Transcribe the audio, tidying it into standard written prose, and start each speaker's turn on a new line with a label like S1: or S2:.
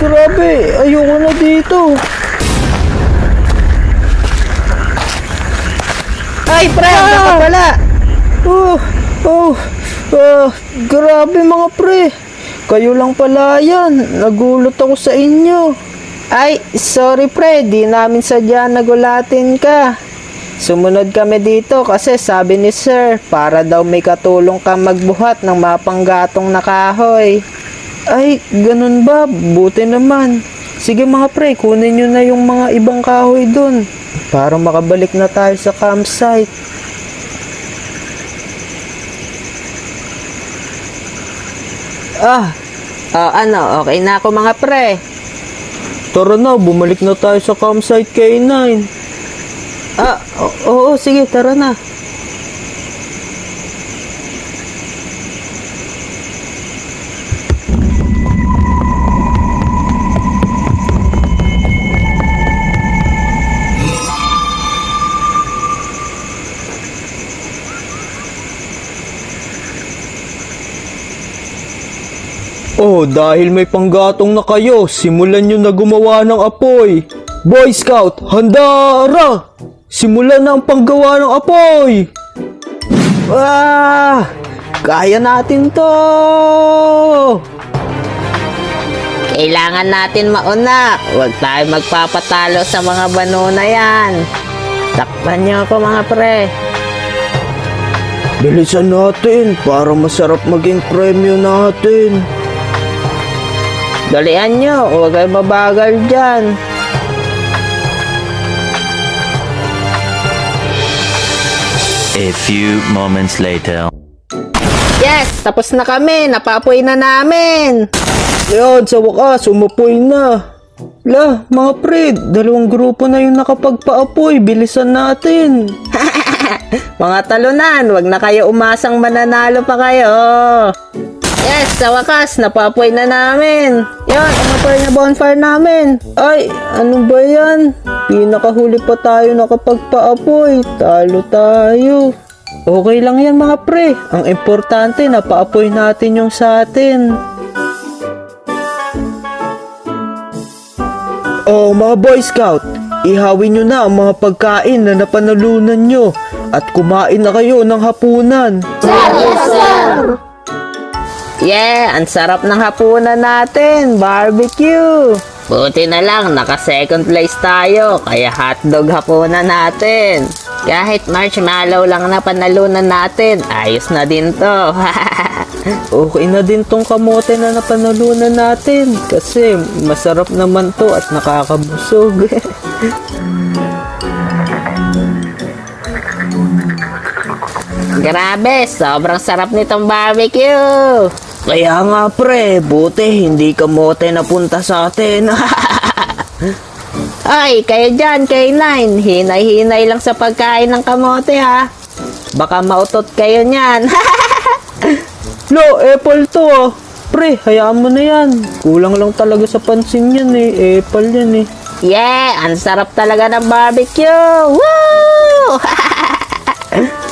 S1: grabe. Ayoko na dito.
S2: Ay, pre, ano ka pala?
S1: Oh, oh, grabe mga pre. Kayo lang pala yan. Nagulat ako sa inyo.
S2: Ay, sorry pre, di namin sadya nagulatin ka. Sumunod kami dito kasi sabi ni sir, para daw may katulong ka magbuhat ng mapanggatong na kahoy.
S1: Ay, ganun ba? Buti naman. Sige mga pre, kunin nyo na yung mga ibang kahoy dun. Para makabalik na tayo sa campsite.
S2: Ano, okay na ako mga pre.
S1: Tara na, bumalik na tayo sa campsite K9.
S2: Oo, sige, tara na.
S1: Oh, dahil may panggatong na kayo, simulan nyo na gumawa ng apoy. Boy Scout, handara! Simulan na ang panggawa ng apoy!
S2: Kaya natin to! Kailangan natin mauna. Huwag tayo magpapatalo sa mga bano na yan. Takpan niyo ako mga pre.
S1: Bilisan natin para masarap maging premyo natin.
S2: Dalian nyo, huwag kayo mabagal dyan.
S3: A few moments later.
S2: Yes, tapos na kami. Napapoy na namin.
S1: Yan, sa wakas, umapoy na. La, mga pre, dalawang grupo na yung nakapagpaapoy. Bilisan natin.
S2: Mga talunan, wag na kayo umasang mananalo pa kayo. Yes, sa wakas, napapoy na namin. Yan, umapoy na bonfire namin.
S1: Ay, ano ba yan? Pinakahuli pa tayo nakapagpaapoy. Talo tayo. Okay lang yan mga pre. Ang importante, napaapoy natin yung sa atin. Oh, mga Boy Scout, ihawin nyo na ang mga pagkain na napanalunan nyo at kumain na kayo ng hapunan.
S2: Yeah, ang sarap ng hapunan natin. Barbecue. Buti na lang, naka second place tayo. Kaya hotdog hapunan natin. Kahit marshmallow lang na panalunan natin, ayos na din to.
S1: Okay na din tong kamote na napanalunan natin kasi masarap naman to at nakakabusog.
S2: Grabe, sobrang sarap nitong barbecue.
S1: Kaya nga pre, buti hindi kamote napunta sa atin.
S2: Ay, kayo dyan, K9. Hinay-hinay lang sa pagkain ng kamote ha. Baka mautot kayo niyan.
S1: Lo, apple to ah. Pre, hayaan mo na yan. Kulang lang talaga sa pansin yan eh. Apple yan eh.
S2: Yeah, ang sarap talaga ng barbecue. Woo!